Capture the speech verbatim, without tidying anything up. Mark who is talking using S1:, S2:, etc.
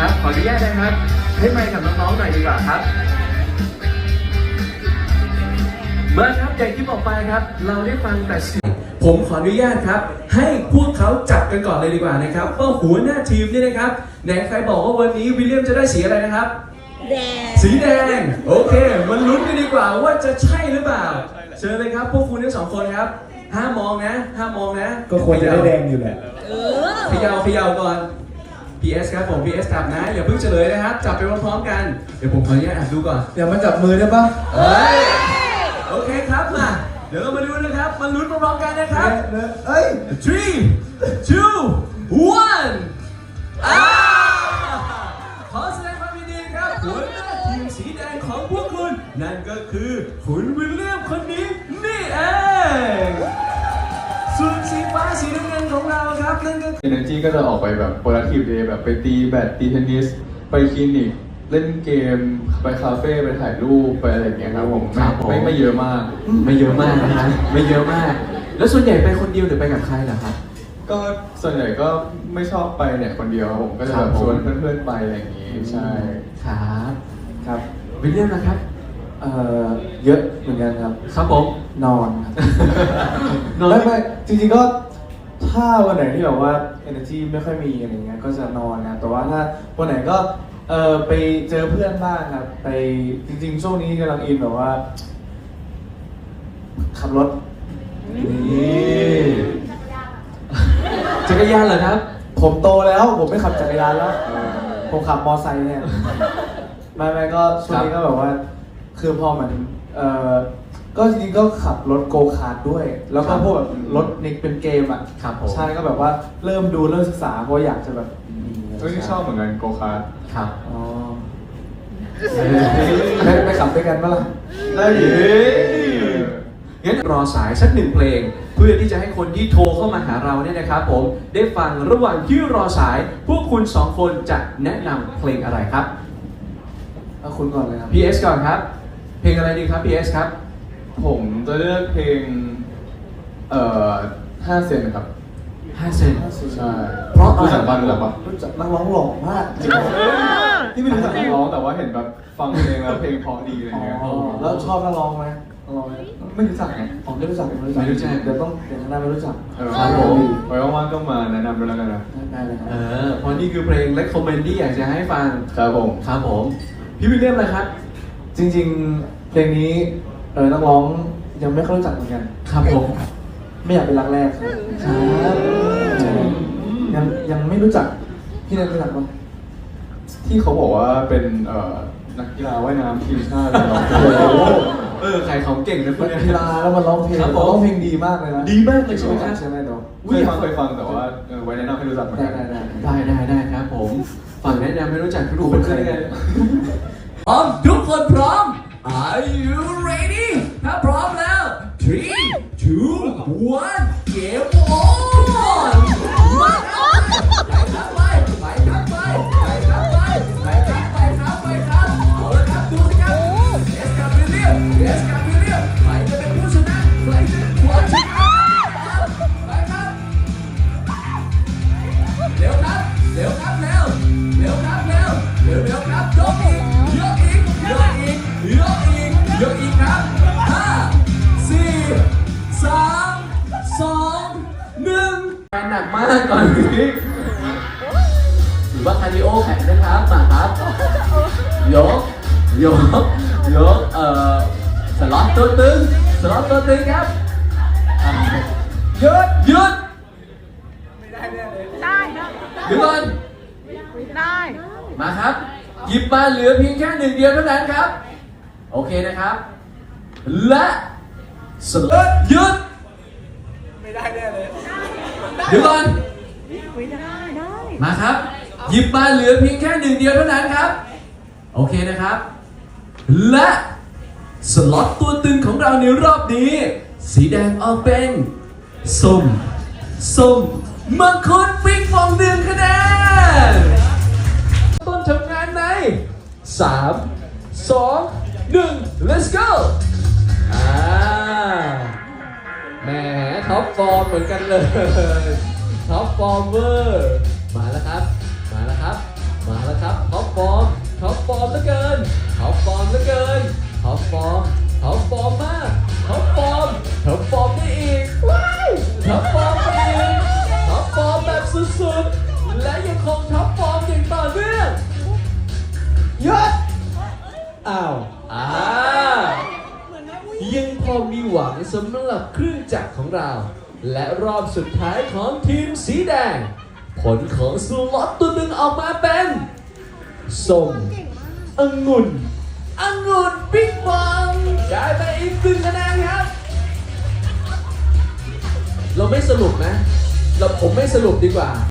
S1: ครับขออนุญาตนะครับให้ไมค์กับน้องๆหน่อยดีกว่าครับเมื่อครับอย่างที่บอกไปครับเราได้ฟังแต่เสียงผมขออนุญาตครับให้พวกเขาจับกันก่อนเลยดีกว่านะครับว่าหัวหน้าทีมนี่นะครับไหนใครบอกว่าวันนี้วิลเลียมจะได้สีอะไรนะครับ
S2: แดง
S1: สีแดงโอเคมันลุ้นกันดีกว่าว่าจะใช่หรือเปล่าเชิญเลยครับพวกคุณทั้งสองคนครับห้ามมองนะห้ามมองนะ
S3: ก็ควรจะได้แดงอยู่แหละ
S1: เขย่าเขย่าก่อน พี เอส ครับผม พี เอส จับนะอย่าเพิ่งเฉลยนะครับจับไปพร้อมๆกันเดี๋ยวผมขออนุญาตอ่านดูก่อน
S3: อย่ามาจับมือได้ปะ
S1: เฮ้ยโอเคครับมาเดี๋ยวเรามาดูนะครับมาลุ้นพร้อมๆกันนะครับ
S3: เอ้ย
S1: three two one อ่าขอแสดงความยินดีครับหัวหน้าทีมสีแดงของพวกคุณนั่นก็คือคุณวิลเลียมคนนี้นี่เองส่วนสีฟ้าสีน้ำเงินของเราครับนั่นก็
S4: Energy ก็จะออกไปแบบ productive day แบบไปตีแบดตีเทนนิสไปคลินิกเล่นเกมไปคาเฟ่ไปถ่ายรูปไปอะไรอย่างเงี้ยครับผมไม่ไม่เยอะมาก
S1: ไม่เยอะมากนะฮะไม่เยอะมากแล้วส่วนใหญ่ไปคนเดียวหรือไปกับใครเหรอครับ
S4: ก็ส่วนใหญ่ก็ไม่ชอบไปเนี่ยคนเดียวผมก็จะแบบชวนเพื่อนๆไปอะไรอย่างงี้ใช่
S1: ครับ
S3: ครับ
S1: วิลเลียมนะครับ
S3: เอ่อเยอะเหมือนกันครับ
S1: ครับผม
S3: นอนครับไม่ไม่จริงๆก็ถ้าวันไหนที่แบบว่า energy ไม่ค่อยมีอะไรเงี้ยก็จะนอนนะแต่ว่าถ้าวันไหนก็เออไปเจอเพื่อนบ้างครับไปจริงๆช่วงนี้กำลังอินแบบว่าขับรถ
S1: นี่จักรยานเหรอครับ
S3: ผมโตแล้วผมไม่ขับจักรยานแล้วผมขับมอไซค์เนี่ยไม่ไม่ก็ช่วงนี้ก็แบบว่าคือพอเหมือนเออก็จริงๆก็ขับรถโกคาร์ทด้วยแล้วก็พวกแบบรถนิกเป็นเกมอ่ะใช่ก็แบบว่าเริ่มดูเริ่มศึกษาเพราะอยากจะแบบ
S4: เฮ้ยชอบเหมือนกันโกคาร์ท
S1: ครับ
S3: อ๋อไปไปขับด้วยกันปะล่ะ
S1: ได้ยิงั้นรอสายสักหนึ่งเพลงเพื่อที่จะให้คนที่โทรเข้ามาหาเราเนี่ยนะครับผมได้ฟังระหว่างที่รอสายพวกคุณสองคนจะแนะนำเพลงอะไรครับ
S3: เอาคุณก่อนเลยครับ
S1: พี เอส ก่อนครับเพลงอะไรดีครับ พี เอส ครับ
S4: ผมจะเลือกเพลงเอ่อห้าเซนครับ
S1: ห้าเซน
S4: ใช่
S3: เพราะ
S4: รู้จักบ้างหรือเปล่า
S3: รู้จักนักร้องหล่อมากจริง
S4: ที่ไม่รู้จักนักร้องแต่ว่าเห็นแบบฟังเพลงแล้วเพลงเพราะดีอะไรเงี้ย
S3: แล้วชอบนักร้องไหมนักร้องไม่รู้จักไงผมไม่รู้จักไม่รู้จักไม่รู้จักเดี๋ยวต้องเดี๋ยวข้างหน้าไม่รู้จัก
S4: ครับผมไว้ว่างๆก็มาแนะนำด้วยแล้วกันนะ
S3: ได้เลยครับ
S1: เออเพราะนี่คือเพลง recommend ที่อยากจะให้ฟัง
S4: ครับผม
S1: ครับผมพี่วิลเลียมเลยครับ
S3: จริงๆเพลงนี้เออนักร้องยังไม่ค่อยรู้จักเหมือนกัน
S1: ครับผม
S3: ไม่อยากเป็นรักแรกครับยังยังไม่รู้จักพี่นักรู้จักมั้ย
S4: ที่เขาบอกว่าเป็นเอ่อนักกีฬาว่ายน้ำทีมชาติเลย
S1: เออใครเขาเก่งนะคน
S3: กีฬาแล้วมันร้องเพลงร้องเพลงดีมากเลยนะ
S1: ดีมากเลยใช่ไหมครับ
S3: ใช่ไหมเนาะ
S4: เคยฟังเคยฟังแต่ว่าไว้แนะนำให้รู้จักเหมือนกัน
S3: ได้ได้
S1: ได้ได้ได้ครับผมฝั่งแนะนำให้รู้จักทุกคนเลยพร้อมทุกคนพร้อม Are you ready ถ้าพร้อมแล้ว three two one game on มาครับไปไปครับไปไปครับไปไปครับไปครับไปครับเอาละครับดูสิครับเอสกับวิลเลียมเอสกับวิลเลียมใครจะเป็นผู้ชนะใครจะเป็นผู้ชนะไปครับเร็วครับเร็วครับเร็วเร็วครับเร็วเร็วเร็วครับยกอีกยกอีกยกอีกยกอีกยกอีกครับห้าสี่สามสองหนึ่งหนักมากก่อนนี้หรือว่าคาร์ดิโอแข็งนะครับมาครับยกยกยกเอ่อสล็อตตัวตึงสล็อตตัวตึงครับหยุดหยุด
S2: ไม่ได้เลยได้นะ
S1: หยุดก่อน
S2: ได้
S1: มาครับหยิบมาเหลือเพียงแค่หนึ่งเดียวเท่านั้นครับโอเคนะครับและสล็อตหยุด
S3: ไม่ได้แน่เลย
S1: หยุดก่อนมาครับหยิบมาเหลือเพียงแค่หนึ่งเดียวเท่านั้นครับโอเคนะครับและสล็อตตัวตึงของเราในรอบนี้สีแดงออกเป็นส้มส้มมังคุดปิงฟองหนึ่งคะแนนต้นทำงานในสามสองหนึ่ง let's go อ่าแหมท็อปฟอร์มเหมือนกันเลยท็อปฟอร์มเวอร์มาแล้วครับมาแล้วครับมาแล้วครับท็อปฟอร์มท็อปฟอร์มเหลือเกินท็อปฟอร์มเหลือเกินท็อปฟอร์มท็อปฟอร์มมากท็อปฟอร์มท็อปฟอร์มได้อีกว้ายท็อปฟอร์มได้อีกท็อปฟอร์มแบบสุดๆและยังคงท็อปฟอร์มอย่างต่อเนื่องหยุดอ้าวอ่ายังพอมีหวังสำหรับเครื่องจักรของเรา และรอบสุดท้ายของทีมสีแดง ผลของสล็อตตัวหนึ่งออกมาเป็นส้มองุ่นองุ่นบิ๊กบังได้ไปอีกหนึ่งคะแนนครับ เราไม่สรุปนะ เราผมไม่สรุปดีกว่า